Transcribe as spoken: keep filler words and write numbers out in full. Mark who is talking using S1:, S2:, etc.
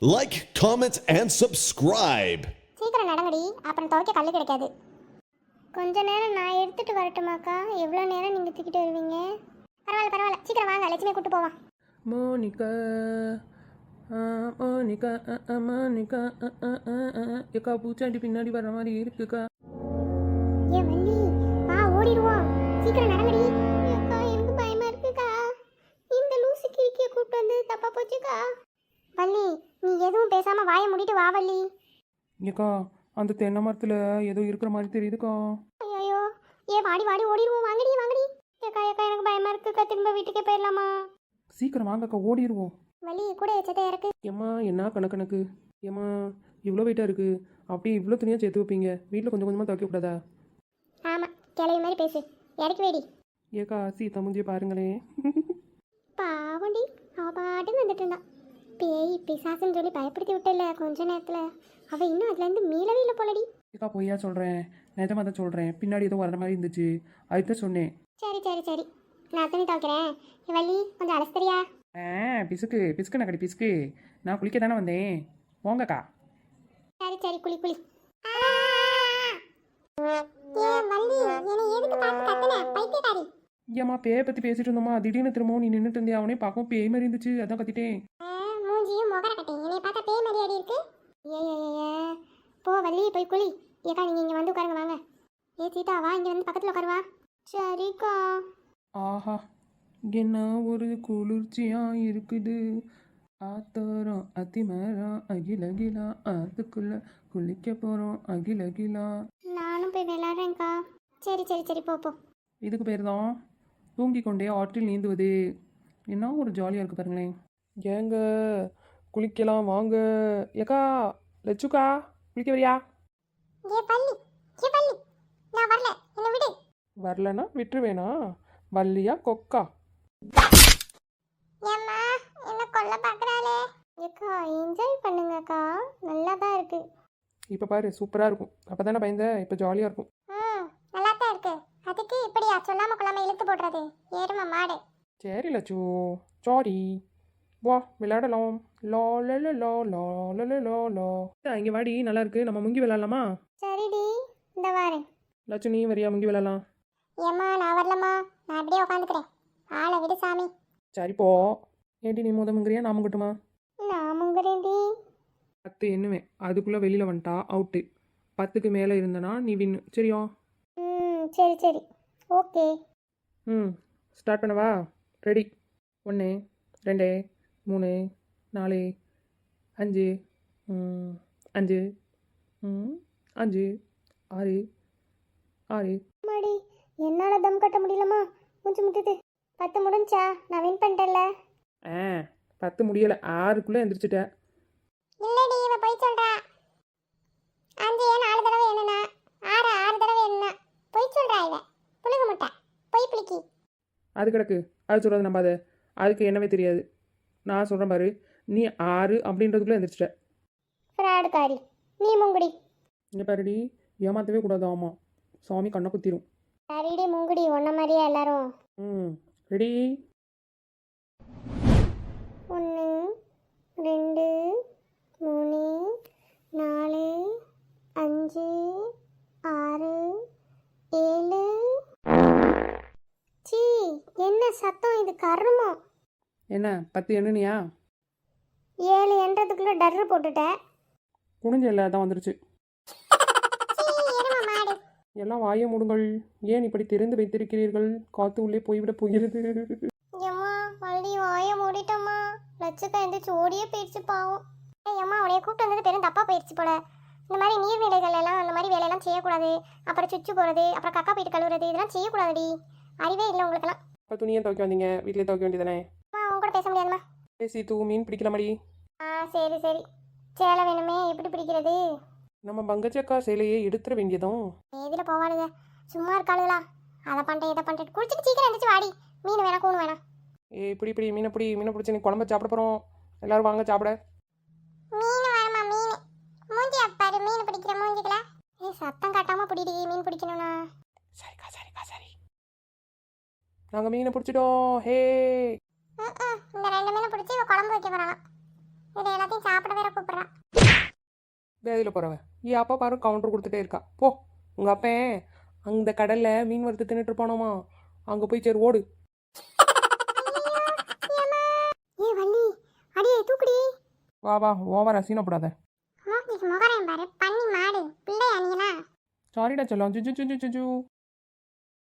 S1: Like, comment, and subscribe.
S2: சீக்கிரம் நடங்கடி, அப்புறம் துவைக்க கல்லு கிடைக்காது. கொஞ்ச நேரம் நான் எடுத்துட்டு வரட்டுமாக்கா? எவ்வளோ நேரம் நீங்கள் தூக்கிட்டு வருவீங்க? பரவாயில்ல பரவாயில்ல, சீக்கிரம் வாங்க, லட்சுமி கூட்டு போவான்.
S3: மோனிகா மோனிகா மோனிகா ஏக்கா பூச்சாண்டி பின்னாடி வர்ற மாதிரி இருக்குக்கா.
S2: ஏ வள்ளி, வா ஓடிடுவோம், சீக்கிரம் நடங்கடி. அக்கா எனக்கு பயமா இருக்குக்கா, இந்த லூசு கிழிக்கிய கூப்பிட்டு வந்து தப்பா போச்சுக்கா. வள்ளி, நீ எதுவும் பேசாம வாயை மூடிட்டு வா வள்ளி.
S3: ஏக்கா அந்த தென்னை மரத்தில் ஏதோ இருக்கிற மாதிரி தெரியுதுக்கா.
S2: ஐயோ, ஏ வாடி வாடி ஓடிடுவோம், வாங்கடி வாங்கடி. ஏக்கா ஏக்கா எனக்கு பயமா இருக்குக்கா, திரும்ப வீட்டுக்கே போயிடலாமா?
S3: சீக்கிரம் வாங்கக்கா, ஓடிடுவோம்.
S2: வள்ளி கூட எச்சத்தை இறக்கு.
S3: ஏம்மா என்ன கணக்கணக்கு, ஏம்மா இவ்வளோ வெயிட்டாக இருக்குது, அப்படியே இவ்வளோ துணியாக சேர்த்து வைப்பீங்க, வீட்டில் கொஞ்சம் கொஞ்சமாக துவைக்க கூடாதா?
S2: ஆமாம், கிளவி மாதிரி பேசு, இறக்கி வேடி.
S3: ஏக்கா சீதா முஞ்சியை பாருங்களேன்.
S2: பாவண்டி, அவ பாட்டுன்னு வந்துட்டு இருந்தான். பேய் பிசாசுன்னு சொல்லி பயப்படுத்தி விட்டல கொஞ்ச நேரத்தில், அவள் இன்னும் அதுலேருந்து மீளவே இல்லை போலடி.
S3: ஏக்கா பொய்யா சொல்கிறேன், நிஜமாக தான் சொல்கிறேன், பின்னாடி ஏதோ வர்ற மாதிரி இருந்துச்சு, அதுதான் சொன்னேன்.
S2: சரி சரி சரி, நான் துணி துவைக்கிறேன். வள்ளி கொஞ்சம் அலசரியா?
S3: ஆ பிசுக்கு பிசுக்கு நக்கடி பிசுக்கு, நான் குளிக்க தானே வந்தேன், போங்கக்கா.
S2: சரி சரி, குளி குளி.
S3: ஏம்மா பேயை பற்றி பேசிட்டு இருந்தோமா, திடீர்னு திரும்பவும் நீ நின்றுட்டு இருந்தே, அவனே பார்க்கவும் பேய் மாதிரி இருந்துச்சு, அதான் கத்திட்டேன்.
S2: மூஞ்சியும் முகர கட்டேன், என்னை பார்த்தா பேய் மாதிரி அடி இருக்கு. ஏ ஏ போ வள்ளி, போய் குளி. ஏக்கா நீங்கள் இங்கே வந்து உட்காருங்க வாங்க. ஏ சீதா வா, இங்கே வந்து பக்கத்தில் உட்காருவா. சரிக்கா.
S3: ஆஹா என்ன ஒரு குளிர்ச்சியா இருக்குது, ஆத்தோரம் அத்திமரம் அகில அகிலா, அதுக்குள்ள குளிக்க போகிறோம் அகில அகிலா.
S2: நானும் போய் விளையாடுறேன்க்கா. சரி சரி சரி, போ போ.
S3: இதுக்கு பேர் தான் தூங்கி கொண்டே ஆற்றில் நீந்துவது. என்ன ஒரு ஜாலியாக இருக்குது பாருங்களேன். ஏங்க குளிக்கலாம் வாங்க. ஏக்கா லட்சுக்கா குளிக்க வரியா?
S2: ஏ பள்ளி, ஏ பள்ளி, நான் வரல, என்ன விடு.
S3: வரலன்னா விட்டுருவேனா? வள்ளியா கொக்கா?
S2: ஏம்மா என்ன கொல்ல பார்க்குறாளே. ஏக்கா என்ஜாய் பண்ணுங்கக்கா, நல்லா தான் இருக்கு.
S3: இப்போ பாரு சூப்பராக இருக்கும், அப்போ தானே பயந்த, இப்போ ஜாலியாக இருக்கும்.
S2: ம் நல்லா தான் இருக்கு, அதுக்கு இப்படியா சொல்லாம கொள்ளாம இழுத்து போடுறது, ஏறுமா மாடு.
S3: சரி லட்சு, சாரி, வா விளையாடலாம். லா லா லா லா லா லா லா லா லா. இங்கே வாடி, நல்லா இருக்கு, நம்ம முங்கி விளையாடலாமா?
S2: சரிடி, இந்த வாரேன்.
S3: லட்சு நீ வரியா முங்கி விளையாடலாம்?
S2: ஏம்மா நான் வரலம்மா, நான் அப்படியே உட்காந்துக்கிறேன், ஆளை விடு சாமி.
S3: சரி போ. ஏடி நீ முத முங்குறியா நான் முங்கட்டுமா?
S2: நான் முங்குறேன்டி.
S3: பத்து எண்ணுவேன், அதுக்குள்ளே வெளியில் வந்துட்டா அவுட்டு. பத்துக்கு மேலே இருந்தனா நீ வின்னு, சரியா?
S2: ம் சரி சரி, ஓகே.
S3: ம் ஸ்டார்ட் பண்ணவா? ரெடி? ஒன்று ரெண்டு மூணு நாலு அஞ்சு அஞ்சு அஞ்சு ஆறு ஆறு.
S2: மாடி என்னால் தம் கட்ட முடியலம்மா, மூச்சு முட்டுது. பத்து முடிஞ்சா, நான் வின் பண்ணிட்டேன்ல.
S3: ஆ பத்து முடியலை, ஆறுக்குள்ளே எந்திரிச்சிட்டேன்.
S2: இல்லடி இவ போய் சொல்றா. அஞ்சு ஏன் நாலு தடவை என்னன்னா, ஆறு ஆறு தடவை என்ன போய் சொல்றா இவ. புழுகு முட்டை போய் புளிக்கி.
S3: அது கிடக்கு, அது சொல்கிறது நம்பாத, அதுக்கு என்னவே தெரியாது. நான் சொல்கிறேன் பாரு, நீ ஆறு அப்படின்றதுக்குள்ளே எந்திரிச்சிட்ட.
S2: ஃப்ராடுக்காரி, நீ முங்குடி.
S3: இங்கே பாருடி, ஏமாற்றவே கூடாது, ஆமாம் சாமி கண்ணை குத்திரும்.
S2: சரிடி முங்குடி, ஒன்ன மாதிரியா எல்லாரும்.
S3: ம் ரெடி?
S2: ஒன்று ரெண்டு மூணு நாலு அஞ்சு ஆறு ஏழு. சீ, என்ன சத்தம் இது, கருமம்.
S3: என்ன பத்து எண்ணுனியா?
S2: ஏழு என்றதுக்குள்ள டர்ரு போட்டுட்டேன்.
S3: குனிஞ்ச இல்லை, அதான் வந்துருச்சு. எல்லாம் வாயை மூடுங்கள், ஏன் இப்படி திறந்து வைத்திருக்கிறீர்கள், காத்து உள்ளே போய்விட போகிறது.
S2: ஏம்மா வள்ளி வாய மூடிட்டம்மா, லட்சக்கா எந்திரிச்சு ஓடியே போயிடுச்சு பாவம். ஏம்மா உடைய கூப்பிட்டு வந்தது பெரும் தப்பா போயிடுச்சு போல. இந்த மாதிரி நீர்நிலைகள் எல்லாம் அந்த மாதிரி வேலையெல்லாம் செய்யக்கூடாது. அப்புறம் சுச்சு போகிறது, அப்புறம் கக்கா போயிட்டு கழுவுறது, இதெல்லாம் செய்யக்கூடாதுடி. அறிவே இல்லை உங்களுக்கெல்லாம்.
S3: இப்போ துணியை துவைக்க வந்தீங்க, வீட்டிலே துவைக்க வேண்டியதானே?
S2: அம்மா உங்க கூட பேச முடியாதுமா.
S3: பேசி தூ மீன் பிடிக்கலாமடி.
S2: ஆ சரி சரி, சேலை வேணுமே, எப்படி பிடிக்கிறது?
S3: நம்ம பங்கச்சக்கா சேலையை எடுத்துட வேண்டியதும்.
S2: எதில் போவாளுங்க, சும்மா இருக்காளுங்களா? அதை பண்ணிட்டேன் இதை பண்ணிட்டு குளிச்சுட்டு சீக்கிரம் எழுந்திரிச்சு வாடி. மீன் வேணா கூணு வேணாம்.
S3: ஏ இப்படி இப்படி மீனை பிடி, மீனை பிடிச்சி நீ குழம்பு சாப்பிட போகிறோம், எல்லாரும் வாங்க சாப்பிட.
S2: மீன் வேணுமா? மீன் மூஞ்சி அப்பாரு, மீன் பிடிக்கிற மூஞ்சிக்கல. ஏ சத்தம் காட்டாம பிடிடி, மீன் பிடிக்கணும்னா.
S3: சரிக்கா சரிக்கா சரி, நாங்கள் மீனை பிடிச்சிட்டோம். ஹே
S2: இந்த ரெண்டு மீனை பிடிச்சி இவ குழம்பு வைக்க போறாங்க. இதை எல்லாத்தையும் சாப்பிட வேற
S3: வேதியில் போகிறவன் ஏன் அப்பா பாரு கவுண்டர் கொடுத்துட்டே இருக்கா போ உங்கள் அப்பன் அந்த கடலில் மீன் வறுத்து தின்னுட்டு இருப்பானோமா அங்கே போய் சரி ஓடு
S2: ஏ வள்ளி அடியே தூக்குடி.
S3: வா வா ஓவர் அசீனப்படாத.
S2: மூக்கிக்கு முகரையும் பாரு பண்ணி மாடு பிள்ளை அணியனா.
S3: சாரிடா செல்லம் ஜுஜு ஜுஜு ஜுஜு